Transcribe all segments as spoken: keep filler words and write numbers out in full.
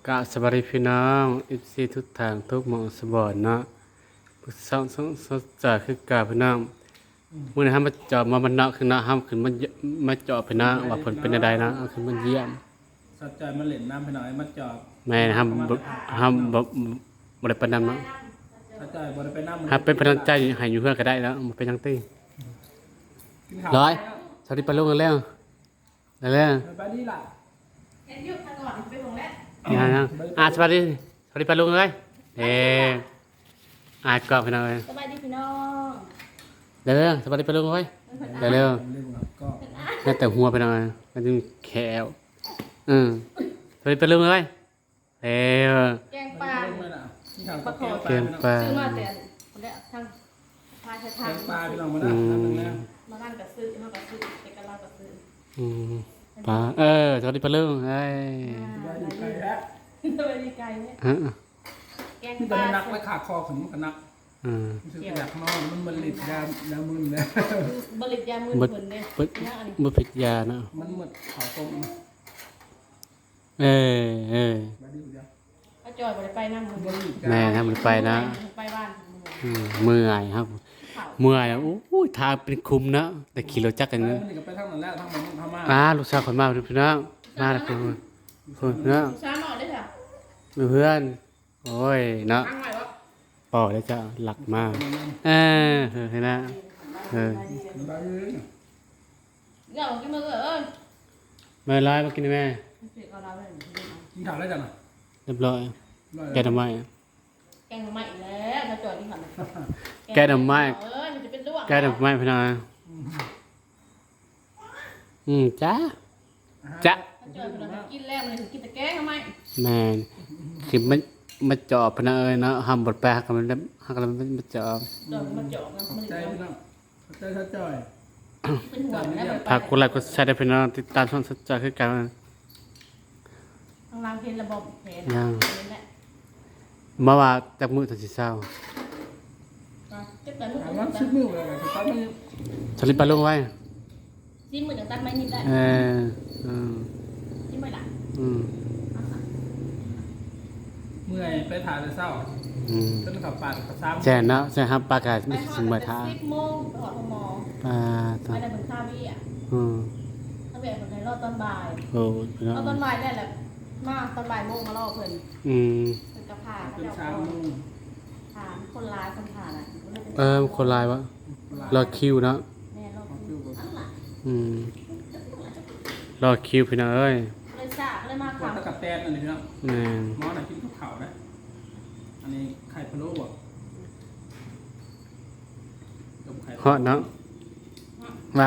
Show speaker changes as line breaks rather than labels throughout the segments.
กะสวัสดีพี่น้องอิซีทุกทางทุกหมองสบอนเนาะสองสองสองจ่าคือกาพี่น้องมื้อนี้ห้ามมาเจาะมาบรรณะคือนะห้ามขึ้นมามาเจาะพี่น้องว่าเพิ่นเป็นใดนะเอาขึ้นมาเยี่ยม
สัจจอยมาเล่นน้ำไปหน่อยมาจอบ
แม่ห้ามบ่ห้ามบ่บ่ได้ปานนั้นเนาะ
สัจจอยบ่ได้ไปน้ำ
ถ้าเป็นพลังใจให้อยู่เพื่อนก็ได้แล้วบ่เป็นจังตี้ร้อยสวัสดีปาลุงกันแล้วแล้ว
ไปนี่ล่ะ
เห็นยุคก่อนไปลงแล้ว
ยังยังอ่ะสวัสดีสวัสดีปาลุงเลยเด้อ่ะกอบพี่น้องเอ้ย
สบายดีพี่น้อง
เร็วๆสวัสดีปาลุงเว้ยเร็ว
เรื่องก็
ๆแม่แต่หัวไปหน่อยมันจะแขวอืมสวัสดีปาลุงเอ้ยเร็ว
แกงปลา
ปลาขอ
เกมปลา
ซื้อมาแต่คนแรกทางพาชะ
แก
ทาง
งปลาพี่น้องมาแล้วน้ำนึงแล้ว
มาบ้านกับซื้อมากับซื้อเอกลักษณ์กับซื้อ
อืมปลาเออสวัสดีปาลุงเอ้ย
ไปดีไกลแล้ว
สบายดีไกลเนี่ย
ฮะ
แกง
ที่
ป
ตอน
ลา
นักไว้ขาคอขึ้นมันก็นัก
อืม
รู้สึกอยากนอนมันมันหลิดยายามึนเลย
บริจามือ
บ่
คนเด้
บ่
เนี่ยอันนี้
บ่ผิดยาเนาะ
มันหมดเขาตรง
เออเออ
ไปดีเดียว
ก็จอยบริไปนั่งมือ
มันหลิด
แม่ถ้ามันไปนะ
ไปบ้าน
อืมเมื่อยครับ
เผา
เมื่อยอ่ะโอ้ยทางเป็นคุมนะแต่ขี่รถจักรกัน
มัน
เนอะ
นี่ก็ไปทางนั้นแล้วทางมันทางมา
อ่าลูกสาวคนมาพี่น้องมาแล้วคนคนเนาะ
ช้าหมอได้ค่ะ
เพื่อนโอ้ยเนาะ
ตั้งไว้วะ
ปอได้จะหลักมากเออเห็นนะเออ
ไปเลย
เดี๋ยวกินมือเอ้ย
มาไล่มากินแม่
เอาเราเลย
กินข้าวได้จังอ่ะ
เรียบร้อยแกทำไม
แกงใหม่แล้วถ้าจอยที่ผ่าน
แกทำไม
เออมันจะเป็นด้วง
แกทำไมพี่น้องอืมจ้าจ้า
ถ้าจอยเรากินแล้วมันถึงกินแต่แกงทำไม
แม่คือมันมาจอบพนักเอ้ยเนาะห้ามบดแปลกันมันหักกันมันมาจอบ
จอยมันเจาะมันมัน
ใจ
เจาะ
พี่น้องใจสัจจอย
เป็นหัวแล้ว
ฝากกดไลค์กดแชร์ด้วยพี่น้องติดตามช่องสัจจะคือกัน
ทางล่างเพลระบบเพลนแหละ
เมื่อว่าจากมือถึงสิเศร้า
จะเปิดมือ
ถามว่าชิดมือเลยสุดท้ายมัน
สลิปปลาลงไว้
ซีมือจะตัดไม้นิดได้
เอออืม
ซีมือหลัง
อืม
เมื่อยไปถ่ายแต่เศร้า
อืม
ต้นขับปาดขับซ้ำ
แจ้เนาะแจ้ครับปลากาศ
ไป
ไม่
หอ
สิ
ด
เมื่อ
เป็น
ท้า
สิบโมงไปหอดหมอ
ปลา
ไป
ตอน
ได้เป็นข้าววี่อ่ะ
อืม
ถ้าแบบคนไหนรอตอนบ่าย
โอ้ยพี่น้อง
รอตอนบ่ายได้แหละมาตอนบ่ายโมงมารอเพิ่น
อืม
เป็นกระพา
เป็น
เจ้า
ชามนุ่ง
ถามคนร้ายคนผ่านอ่ะ
เออคนลายวะรอคิวเนาะ
แม่รอคิวอันหลัง
อืมรอคิวพี่น้องเอ้ย
เลยซ่าเลยมา
ก่อน
ค่ะ
ตะกับแตนอันนี้พี่น้อง
แม่น
หมอน่ะกินข้าวขาวนะอันนี้ไข่พะโล้บ่กับไข่
ฮอดเนาะว่า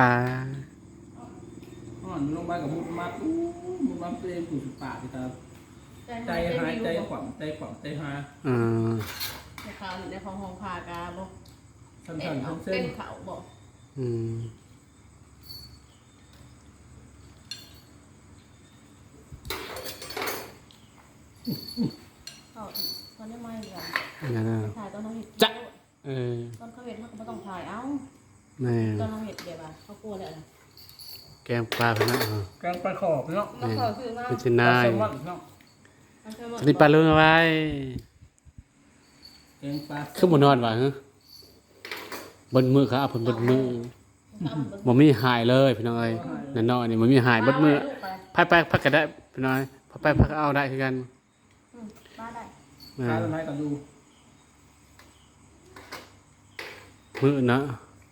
ห่อนลงไปกับมุดมัดอู้มุดมัดตัวเองปู่สุดปากที่ตาใจหายใจขวัญใจขวัญใจหาย
อืม
ในข่าวในของห้องพากาบอก
สั้
เต้
น
น
ๆ
เขา
ทั้งเส้
เต้
น
นเขาบอก
อืม
เขาตอนนี้ไม่กัน
นั่นน่ะ
ถ่ายตอนเขาเห็ด
จ๊ะ เออ
ตอนเขาเห็ดเขาก็ไม่ต้องถ่ายเอ้า
แม่น
ตอนเขาเห็ดเดี๋ยวอ่ะเขากลัวเลยนะ
แกงปลาพี่น้อง
กลางปลาขอบเนาะ
แล้วเขาคือว่า
เป็นชนาย
ปลาแซลมอนเนาะ
สลิปปลาลุงเอาไว้
แกงปลา
คือบ่นอนว่ะฮะบนมือครับเอาผลบนมือบ่มีหายเลยพี่น้องเอ้ยนั่นเนาะนี่บ่มีหายบนมือพักไปพักก็ได้พี่น้อยพักไปพักเอาได้คือกัน
บ้าได้
อ่า
ปลาอะไรกันดู
มือเนาะ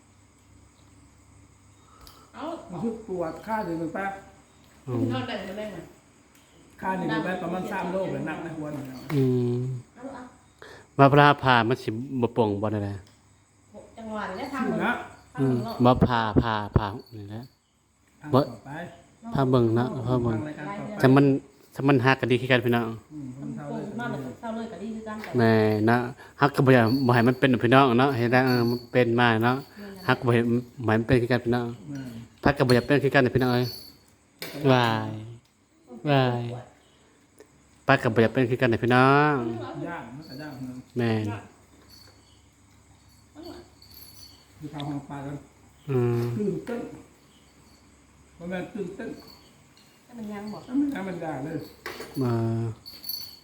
เอ้า
มันคือปวดค่าเดือนเป็นแป๊บ
อืม
นอนได้ไม่ได้ไหม
ค่าหนึ่งเป็นแป๊บประมาณสามโลเลยหนักในหัวหน่อย
อืม
เอาเอา
มาปลาผ่ามันสิบ่ป่งบ่ได้แหละ
จังหวะนี้ทาง
ชื่อ
มึง
นะ
ทาง
อื
มึ
ม
งเนาะ
บ่ผ่าผ่าผ่านี่แหละ
บ่ไป
พาเบิ่งเนาะพาเบิ่ง
รายการต่อไป
ถ้ามันถ้ามันฮักกันดีคือกันพี่น้อง
อืมคนเท่า
โอ้
เลย
มาเลยเศร้าเลยกับดีคือกันแต่
แม่นะฮักก็บ่อยากบ่ให้มันเป็นพี่น้องเนาะเห็นได้เออมันเป็นมาเนาะฮักก็บ่ให้บ่ให้มันเป็นคือกันพี่น้อง
อืม
พักก็บ่อยากเป็นคือกันพี่น้องเอ้ยวายวายปักก็บ่อยากเป็นคือกันพี่น้อง
ย่างมันก็ย่างเนาะ
แม่น
คือข้าวห้องปลากัน
อืม
ตื่นเต้นเพราะมันตื่นเต้น
ให้มันยังบอก
แล้วมันธรรมดาเลย
มา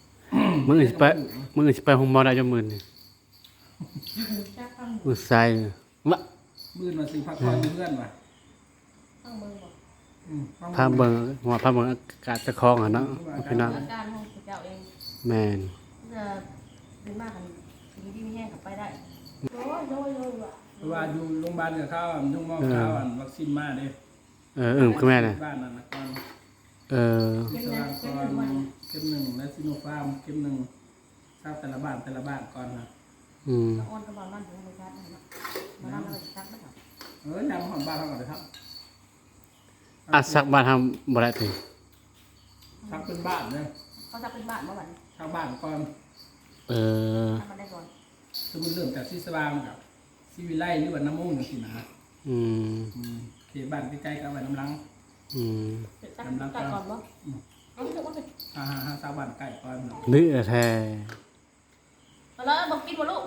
มึงอื่นสิไปมึงอื่นสิไปห้องหมอได้จังมื้อนี่
จักฟัง
มื้อใส่วะ
มืดมาสิพักผ่อนอยู่เพื่อนว่ะ
ฟังเบิ่งบ่
อืม
พาเบิ่งหัวพาเบิ่งอากาศเจะคลองอะเนาะพี่น้อง
อาการของเจ้าเอง
แม่น
จะเป็นมากกันสีที่มีแห้งกลับไปได้โอ้ยโอ้ยโอ้ยว่ะ
เพราะว่าอยู่โรงพยาบาลกับข้าวอ่ะมันต้องมองข้าวอ่ะวัคซีนมาเด้
เอออึ้มคือแม่น่ะ
บ้านนั่นนะก่อน
เออ
สว่างก่อนเข็มหนึ่งและซิโนฟาร์มเข็มหนึ่งทราบแต่ละบ้านแต่ละบ้านก่อนนะ
อืม
อ่อนกระบอกนั่นถึงธรรมชาตินะมาทำอะไรจักไม่ทำ
เออยามของบ้านเราก่อนเลยครับ
อัดซักบ้านทำบ่ได้ติ
ทักเป็นบ้านเนี่ย
เขาจะเป็นบ้านเมื่อวัน
ทักบ้านก่อน
เออ
ทำมาได้ก่อน
คือมันเริ่มจากซีสว่างกับซีวิไลหรือว่าน้ำมูกสินะ
อืม
อืมเขตบ้านใกล้ๆกับไว้น้ำลัง
อืม
จักจักก่อนบ่เอาเถอะว่าเป็น
ฮ่าฮ่าฮ่าชาวบ้านใกล้ก่อนเนาะ
นึแท้
เอาแล้วบอกกินบ่ลูก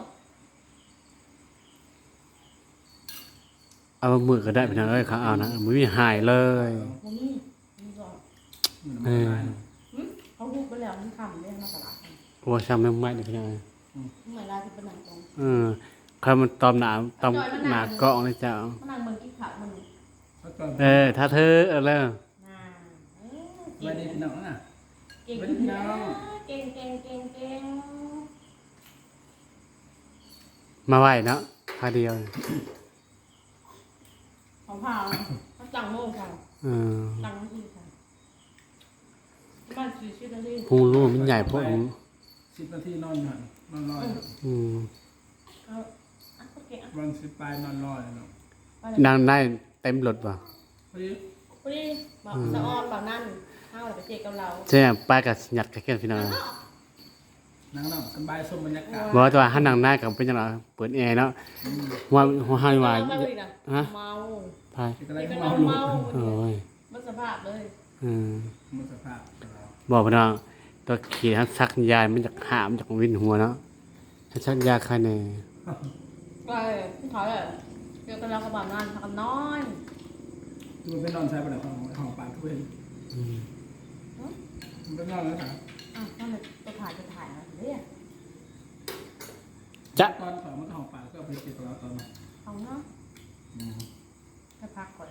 เอามือก็ได้พี่น้องเอ้ยเขาเอานะบ่มีหายเลย
บ่มีมีก่อน
มัน
เอ
ไม่
อ
ได้
หึเขาพูดไปแล้วมันคำเรื่องมาตลาด
โอ้ซ้ำแม่งไม่ได้พี่น้องเอ้ย
เมื่อไรจะเป็นหนังตรง
เออใครมันตอมหนาตอมหนากล้องเลยเจ้า
มันนั่งเมืองกินข้าวมัน
แล้วก็
เออ ถ้าเธอเอาแล้ว
น่าเออ
ไว้ดีพี่น้องนะ
เก่งเก่งเก่งเก่งเก่ง
มาไหวเนาะพาเดียว
ของผ่าเขาจังโม่ค่ะ
เออ
จังที่ค่ะบ้านชื่อชื่อนั่นเอง
พุงรูมันใหญ่พวกนี้
สิบนาทีนอนอยู่หันนอนรอย
อืม
เขาอ่ะเก่งอ่ะ
วันสิบปลายนอนรอยเนาะ
นางได้เต็มรถป่ะ
พอดี
พอดีบอกสะออนบอกนั่นห้าวไปเจอกับเรา
ใช่ไหมป้ากับหยัดกับแค่พี่น้อง
นั่งนอนสบายชมบรรยากาศ
บอกว่าถ้านางหน้ากับเป็นยังไงเปิดแอร์เนาะว่าหัวหายวาย
เมาเลยนะ
ฮะ
เมา
พาย
เป็นอะไร
เป็น
ที่
เมา
เมาลูก
เมา
โอ้ย
มันสภาพเลย
อืม
มันสภาพ
บอกพี่น้องตัวขี่ทั้งซักยายมันจากหามจากวินหัวเนาะถ้าซักยาใครเนี่ย
ก็พี่ถอยเลยเจอกับเรากับบอกนั่นทำน้อย
มันไปนอนใช้ประเดี๋ยวของของปากทุกเองมันไปนอนแล้วค่ะ
อ่ะนั่นเลยจะถ่ายจะถ่ายอะไรเนี่ย
จะ
ตอนของมันก็ของปากก็เอาไปเก็บกับเราตอนนั้น
เอาเนาะให้พักก่อน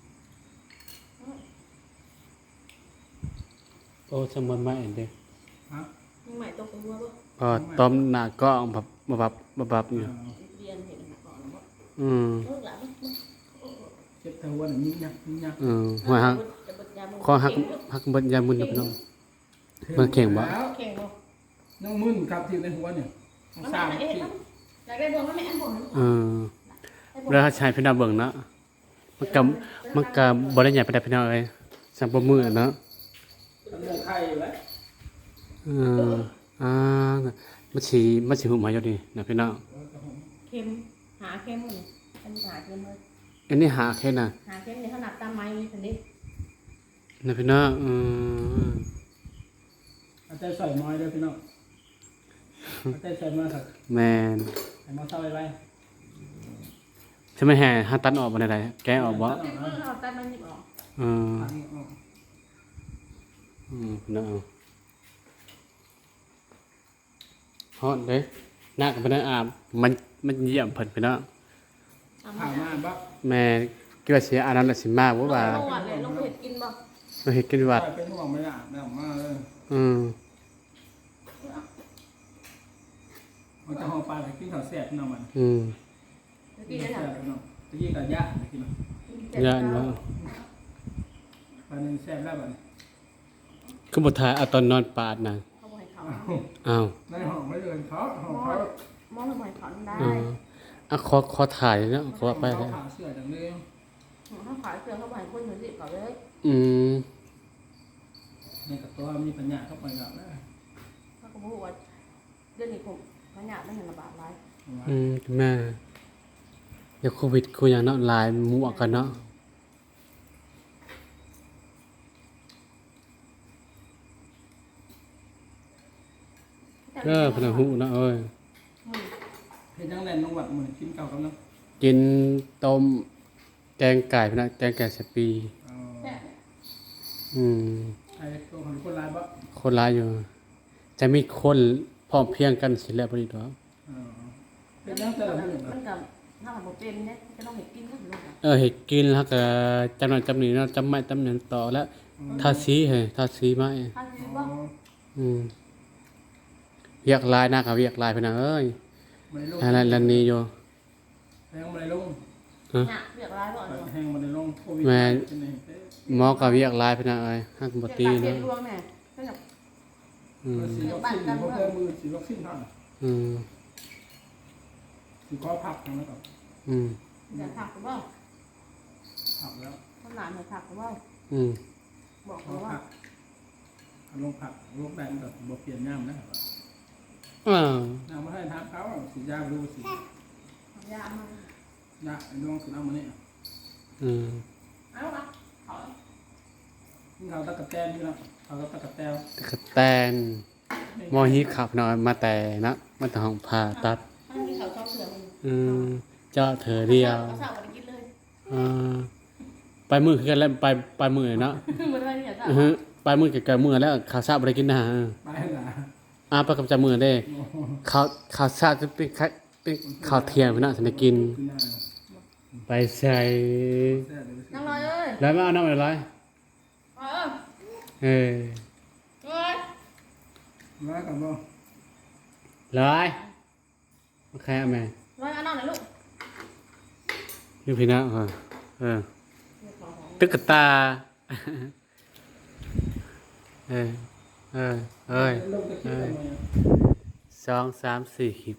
โอ้สมบูรณ์ไม่เด็ก
ฮะ
ยังใหม่ตกตัวป่ะ
พอต้มหน้ากล้องแบบแบบแบบอยู่
เรียนเห็นก่อนว่า
อืม
เลิกแล้ว
เจ็บเท้าวันนี้ยักนี่ยัก
อืมหัวหักคอหักหักเบนยามุนนะพี่น้อง มันเข่งบ่
แล้ว
เข่งบ่
น้องมึนครับที่ในหัวเนี่ย
มัน
สาม
ไม่
ที่
เอ๊ะอยากได้บ่มันไม่อันบ่น
เออแล้วถ้าใช้พี่น้องเบิ่งเนาะมันกับมันกับบริญญาไปได้พี่น้องเลยสัมปมือเนาะ
มันเรื่องไข่อยู่แล้ว
เอออ่ามันฉีมันฉีหุ่มหายอยู่ดีนะพี่น้อง
เข็มหาเข็มเลยเป็นหาเข็มเลย
อันนี้หาแค่น่ะ
หาเข็มในขนาดตามไม้นี่สิ
นะพี่น้องอืม
เอาใจใส่น้อยเลยพี่น้องเอาใจใส่มาสัก
แมน
ให้มาเศร้าไว้
ใช่ไหมแห่หาตันออกบ่ได้แกะออกบ่
เข็มเราตามมันหยิบออก
เออ
ตังออก
อืมพี่น้องฮอดเด้หน้ากับพี่น้องอาบมันมันเยี่ยมเพิ่นพี่น้อง
ผ่ามาบ่
แม่เกี่ยวาเสียอันนั้นน่ะสิมากบ่ว่า
ลงหวัดเลยลงเห็ดกินบ่
เราเฮ็ดกินวัด
เป็นห่วงไม่ได้ไม่ออกมาเลย
อืม
มันจะห่อปลาไปกินข้าวแซ่บพี่น้องมัน
อืม
กินได้
แซ่
หรอบ
พี่น้องตะกี้กับย่าไปกินเนาะ
ย่านว่า
ปลาหนึ่งแซ่บแล้วบัดนี้
คือบ่ทายเอาตอนนอนปาดน่ะ
เขาบ่ให้เขา
อ้าว
อ้าว
ในห้องไม่เดินเขาห้องเขา
มองให้บ่ให้เขาได้
เอออ่ะขอขอถ่ายเนาะขอไป
เขา
เลย
ผ่าเสื้อจังเลย
เขาขายเสื้อเขาบ่ให้คนอยู่สิเขาเลย
อืม
ในกับตัวมีปัญญาเข้าไปแล้วนะ
เขาก็บอกว่าเดือนนี้ผมขยะไม่เห็นระบาดไร
อืมแม่เดี๋ยวโควิดกูอย่างเนาะหลายหมั่วกันเนาะเออพนักหูเนาะเอ้ย
เห็นยังแลนน้องวัดเหมือนกินเก่ากับน้อง
กินต้มแกงไก่พนักแกงไก่สปี อืม
ไอ้ตัวของคนร้ายบ่
คนร้ายอยู่ จแต่มีคนพร้อมเพรียงกันสิแล้วบ่ดีดอก
เออเป็นยังแต่ละมื้อ
มัน
นะ
กับถ้ามันบ่เป็นเนี่ยจะต้องเห็ดกินก็ลูกอ่ะ
เออเฮ็ดกินแล้วก็จำนั้นจำนี้เนาะจำไม้จำนั้นต่อแล้วทาสีให้ทาสีไม้
ถ้าคิด
อ๋
ว่า
อ
อืมเวียกลายหน้าก็เวียกลายพี่น้องเอ้ย
ไม่ได้ลง
อะไรลันนี้อยู่
แห้งไม่ได้ลง
เนี่ยเรียกร้ายบ่อน
แห้งไม่ได้ลงโควิด
แม่
เป็นไงเอ๊ะ
หมอก็เวียกลายพี่น้องเอ้ยฮักบ่ตี
เรีย
เนาะ
กรวงเนี่ยก็แบบ
อืม
ฉีดวัคซีนเพราะเพิ่มมือฉีดวัคซีนเท่านั้น
อืม
ฉีดข้อพักทำแล้วก็
อืม
จะผักหรือเปล่า
พักแล้ว
ขนาดเนี่ยผักหรือเปล่า
อืม
บอก
ข้อ
เขาว่า
พักเอาลงผักลงได้มันก็บ่เปลี่ยนย่ำนะครับ
อ้าว
น้ำมาให้ทานเขาสียาดูสี
ยามัน
ยาไอ้น้องคือเอามาเนี่ย
อืม
เอาละขอ
เขาตะกะแตนพี่น้องเขาตะกะแตน
ตะกะแตนหมอฮีขับหน่อยมาแต่นะมาแต่ห้องผ่าตัด
ถ้ามีเขาชอบเสือมัน
อืมเจาะเถอเดียว
เขาสาวกันกินเลย
อ่าไปมือคือกันแล้วไปไปมือเนาะ
มันอะไรเนี่ยจ้ะ
อือฮึไปมือกับกับมือแล้วข้าวซาบ่ได้กินนะฮะ
ไปหนา
อ่าไปกับจามือเด้ข้าวข้าวซาจะเป็นข้าวเป็นข้าวเที่ยงพี่น้องสิได้กิน
กินได้
ไปใส่
แซ่บเลย
นั่งรอเลย
แล้วมาเอาน้ำอะไร
เออ
เออ
เอ้ย
ร้อยกับบ่
ร้อยโอเคเอาแม่
ร้อยเอาน้องหน่อยลูก
อยู่พี่น้องค่ะเออตุ๊กตาเออเออเอ้ย
ลงตะกี้ทำไมอ่ะ
สองสามสี่ขีด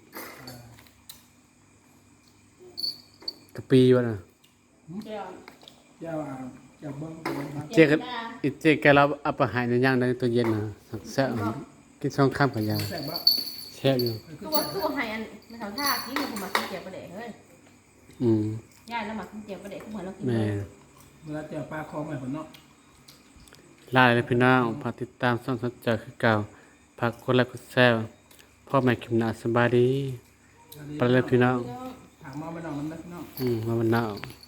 กะปีวะน่ะ
เดี๋ยว
เจ้าอ่ะเจ้าเบิ้งเบิ้งมา
เจกันอีเจแกเราเอาไปหายในย่างในตัวเย็นนะสักแซ่บกินสองข้ามกับยา
แซ่บบ่
แซ่บอยู่
คือว่าคือว่าให้อันไม่ทำท่าที่มันมากินเจียวประเดี๋ยวเฮ้ย
อืม
ย่ายแล้วมากินเจียวประเดี๋ยวเหมือนเรากิน
แม่
เวลาเจ้าปลาคอใหม่ผลเนาะ
ลาเลยพี่น้องฝากติดตามส่องสนใจคือเก่าฝากกดไลค์กดแชร์พ่อแม่คิมนาสบายดีไปเลยพี่น้อง
ถามมาไม่นอนมันนะพี่น้อง
อืมมาวันหน้า